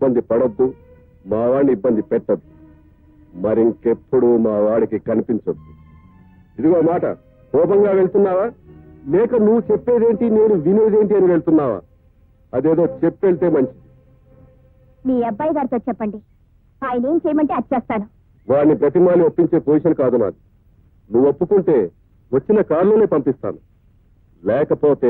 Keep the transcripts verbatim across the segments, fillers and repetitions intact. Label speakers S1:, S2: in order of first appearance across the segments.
S1: ఇబ్బంది పడొద్దు, మా వాడిని ఇబ్బంది పెట్టద్దు. మరింకెప్పుడు మా వాడికి కనిపించొద్దు. ఇదిగో మాట, కోపంగా వెళ్తున్నావా లేక నువ్వు చెప్పేదేంటి నేను వినేదేంటి అని వెళ్తున్నావా? అదేదో చెప్పెళ్తే మంచిది.
S2: మీ అబ్బాయి గారితో చెప్పండి, ఆయన ఏం చేయమంటే అది చేస్తాను.
S1: వాడిని ప్రతిమాలి ఒప్పించే పొజిషన్ కాదు నాది. నువ్వు ఒప్పుకుంటే వచ్చిన కారులోనే పంపిస్తాను, లేకపోతే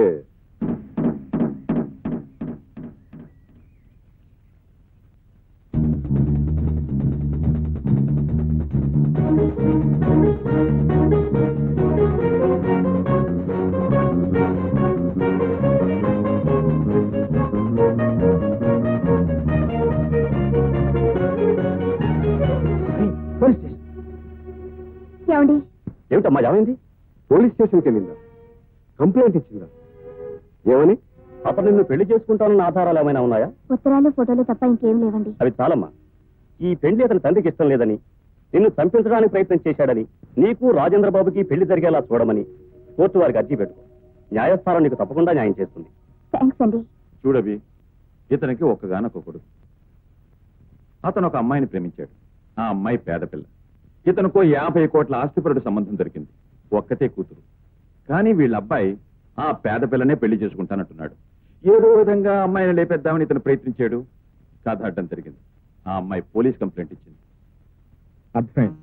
S2: ఏమండి?
S1: ఏమిటమ్మా ఏమైంది? పోలీస్ స్టేషన్కి వెళ్ళిందా? కంప్లైంట్ ఇచ్చిందా? ఏమని? అతను నిన్ను పెళ్లి చేసుకుంటానన్న ఆధారాలు ఏమైనా ఉన్నాయా?
S2: ఉత్తరాలు ఫోటోలు తప్ప ఇంకేం లేవండి.
S1: అవి చాలమ్మా. ఈ పెళ్లి అతని తండ్రికి ఇష్టం లేదని, నిన్ను చంపించడానికి ప్రయత్నం చేశాడని, నీకు రాజేంద్ర బాబుకి పెళ్లి జరిగేలా చూడమని కోర్టు వారికి అర్జీ పెట్టుకో. న్యాయస్థానం నీకు తప్పకుండా న్యాయం చేస్తుంది.
S2: థ్యాంక్స్ అండి.
S3: చూడవి, ఇతనికి ఒక్కగానొక్క కొడుకు. అతను ఒక అమ్మాయిని ప్రేమించాడు. ఆ అమ్మాయి పేద పిల్ల. ఇతనుకో యాభై కోట్ల ఆస్తిపరుడు సంబంధం దొరికింది. ఒక్కతే కూతురు. కానీ వీళ్ళ అబ్బాయి ఆ పేద పిల్లనే పెళ్లి చేసుకుంటానంటున్నాడు. ఏదో విధంగా అమ్మాయిని లేపేద్దామని ఇతను ప్రయత్నించాడు. కథ అడ్డం జరిగింది. ఆ అమ్మాయి పోలీస్ కంప్లైంట్ ఇచ్చింది.
S4: అర్థమైంది.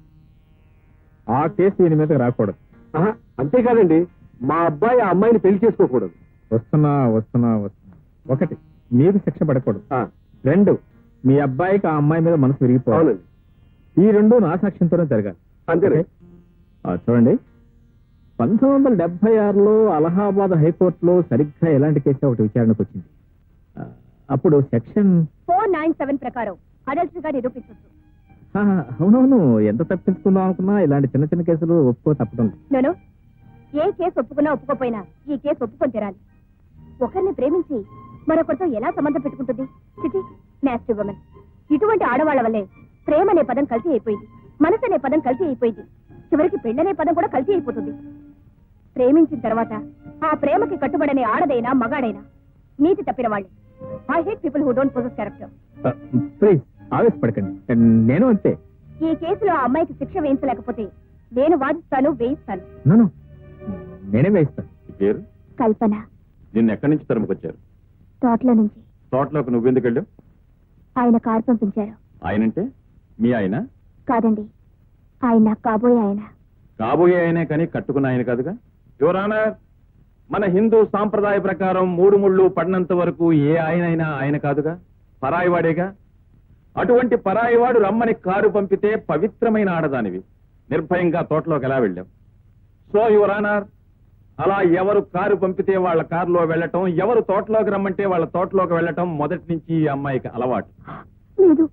S4: ఆ కేసు దీని మీద రాకూడదు.
S1: అంతేకాదండి, మా అబ్బాయి ఆ అమ్మాయిని పెళ్లి చేసుకోకూడదు.
S4: వస్తున్నా వస్తున్నా వస్తున్నా. ఒకటి, మీరు శిక్ష పడకూడదు. రెండు, మీ అబ్బాయికి ఆ అమ్మాయి మీద మనసు విరిగిపోవాలి. ఈ రెండు నా సాక్ష్యంతోనే జరగాలి.
S1: అంతే.
S4: చూడండి, పంతొమ్మిది వందల డెబ్బై ఆరులో అలహాబాద్ హైకోర్టులో సరిగ్గా ఎలాంటి కేసు ఒకటి విచారణకు వచ్చింది. అప్పుడు సెక్షన్
S2: ఫోర్ నైన్ సెవెన్ ప్రకారం అడల్టరీగా నిరూపించవచ్చు.
S4: అవునవును, ఎంత తప్పించుకుందాం అనుకున్నా ఇలాంటి చిన్న చిన్న కేసులు ఒప్పుకో తప్పడం లేదు.
S2: నేను ఏ కేసు ఒప్పుకున్నా ఒప్పుకోపోయినా ఈ కేసు ఒప్పుకొని తీరాలి. ఒకరిని ప్రేమించి మరొకరితో ఎలా సంబంధం పెట్టుకుంటుంది? చిటి నాస్టీ ఉమెన్. ఇటువంటి ఆడవాళ్ల వల్లే ప్రేమ అనే పదం కల్తీ అయిపోయింది, మనసు అనే పదం కల్తీ అయిపోయింది, చివరికి పెళ్ళనే పదం కూడా కల్తీ అయిపోతుంది. ప్రేమించిన తర్వాత ఆ ప్రేమకి కట్టుబడనే ఆడదైనా మగాడైనా నీతి తప్పిన వాళ్ళే. I hate people who don't possess character.
S4: Please ఆవేశపడకండి, నేను అంతే.
S2: ఈ కేసులో ఆ అమ్మాయికి శిక్ష వేయించలేకపోతే నేను వాదిస్తాను, వేయిస్తాను.
S4: నన్ను నేనే వేయిస్తాను.
S3: పేరు
S2: కల్పన.
S3: నిన్ను ఎక్కడి నుంచి తరుముకొచ్చారు?
S2: తోటలో నుంచి.
S3: తోటలోకి నువ్వెందుకు వెళ్ళావు?
S2: ఆయన కారు పంపించారు.
S3: ఆయనంటే మీ ఆయన?
S2: కాదండి, ఆయన కాబోయే ఆయన.
S3: కాబోయే ఆయనే కానీ కట్టుకున్న ఆయన కాదుగా. యువర్ ఆనర్, మన హిందూ సాంప్రదాయ ప్రకారం మూడు ముళ్ళు పడినంత వరకు ఏ ఆయనైనా ఆయన కాదుగా, పరాయివాడేగా. అటువంటి పరాయివాడు రమ్మని కారు పంపితే పవిత్రమైన ఆడదానివి నిర్భయంగా తోటలోకి ఎలా వెళ్ళాం? సో యువర్ ఆనర్, అలా ఎవరు కారు పంపితే వాళ్ళ కారులో వెళ్ళటం, ఎవరు తోటలోకి రమ్మంటే వాళ్ళ తోటలోకి వెళ్ళటం మొదటి నుంచి ఈ అమ్మాయికి అలవాటు.
S2: లేదు.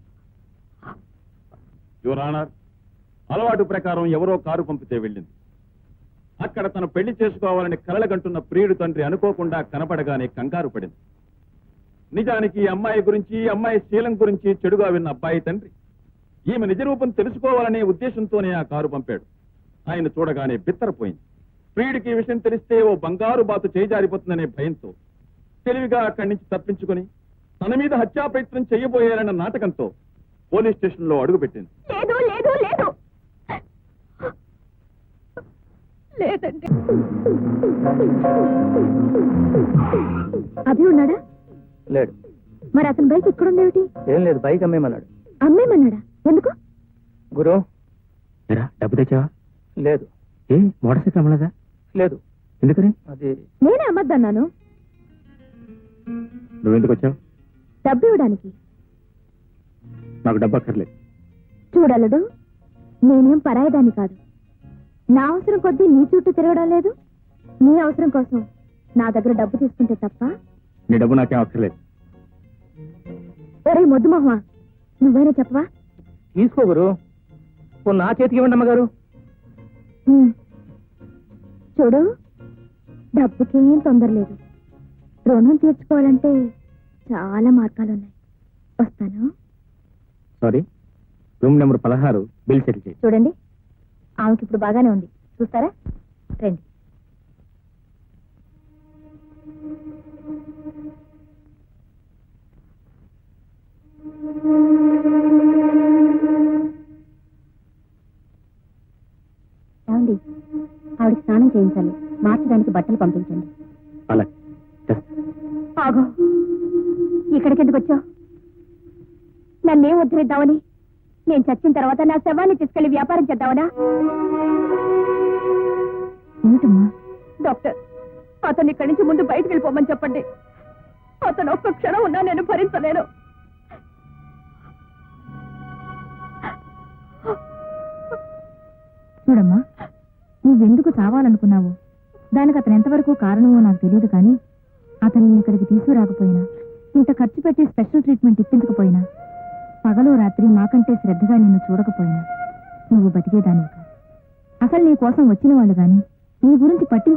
S3: యువర్ ఆనర్, అలవాటు ప్రకారం ఎవరో కారు పంపితే వెళ్ళింది. అక్కడ తను పెళ్లి చేసుకోవాలని కలలగంటున్న ప్రియుడు తండ్రి అనుకోకుండా కనపడగానే కంగారు పడింది. నిజానికి ఈ అమ్మాయి గురించి, ఈ అమ్మాయి శీలం గురించి చెడుగా విన్న అబ్బాయి తండ్రి ఈమె నిజరూపం తెలుసుకోవాలనే ఉద్దేశంతోనే ఆ కారు పంపాడు. ఆయన చూడగానే బిత్తరపోయింది. ప్రియుడికి ఈ విషయం తెలిస్తే ఓ బంగారు బాతు చేజారిపోతుందనే భయంతో తెలివిగా అక్కడి నుంచి తప్పించుకుని తన మీద హత్యా ప్రయత్నం చేయబోయారన్న నాటకంతో పోలీస్ స్టేషన్ లో అడుగుపెట్టింది.
S2: లేదు లేదు లేదు లేదండి. అభి ఉన్నాడా?
S5: లేడు.
S2: మరి అతని బైక్ ఇక్కడుందేమిటి?
S5: ఏం లేదు, బైక్ అమ్మేమన్నాడు.
S2: అమ్మేమన్నాడా? ఎందుకు?
S5: గురు,
S4: డబ్బు తెచ్చావా?
S5: లేదు.
S4: ఏ మోటార్ సైకిల్ అమ్మలేదా?
S5: లేదు.
S4: ఎందుకని?
S5: అది
S2: నేనే అమ్మద్దన్నాను.
S4: నువ్వెందుకు వచ్చావు?
S2: డబ్బు ఇవ్వడానికి.
S4: నాకు డబ్బు అక్కర్లేదు.
S2: చూడలడు, నేనేం పరాయదాన్ని కాదు. నా అవసరం కొద్దీ నీ చుట్టూ తిరగడం లేదు. నీ అవసరం కోసం నా దగ్గర డబ్బు తీసుకుంటే తప్ప.
S4: నీ డబ్బు నాకేం అక్కర్లేదు.
S2: ఒరే మొద్దు మొహమా, నువ్వైనా చెప్పవా?
S5: తీసుకో గురు, నా చేతికి ఇవ్వండి అమ్మగారు.
S2: చూడు, డబ్బుకేం తొందర లేదు. రుణం తీర్చుకోవాలంటే చాలా మార్గాలున్నాయి. వస్తాను.
S4: సారీ, రూమ్ నెంబర్ పదహారు బిల్ సెటిల్ చేయి.
S2: చూడండి, ఆమెకి ఇప్పుడు బాగానే ఉంది. చూస్తారా? రండి. ఏమండి, ఆవిడకి స్నానం చేయించాలి. మార్చడానికి బట్టలు పంపించండి.
S4: అలా
S2: ఆగో, ఇక్కడికి ఎందుకు వచ్చావు? నన్నేం ఉద్ధరిద్దామని? నేను చచ్చిన తర్వాత నా శవాన్ని తీసుకెళ్లి వ్యాపారం చేద్దామనా? ఏమిటమ్మా? డాక్టర్, అతను ఇక్కడి నుంచి ముందు బయటకు వెళ్ళిపోమని చెప్పండి. అతను ఒక్క క్షణం ఉన్నా నేను భరించలేను. చూడమ్మా, నువ్వెందుకు చావాలనుకున్నావు, దానికి అతను ఎంతవరకు కారణమో నాకు తెలియదు, కానీ అతన్ని ఇక్కడికి తీసుకురాకపోయినా, ఇంత ఖర్చు పెట్టి స్పెషల్ ట్రీట్మెంట్ ఇప్పించకపోయినా, పగలు రాత్రి మాకంటే శ్రద్ధగా నిన్ను చూడకపోయినా నువ్వు బతికేదానివి కాదు. అసలు నీ కోసం వచ్చిన వాళ్ళు గాని నీ గురించి పట్టించు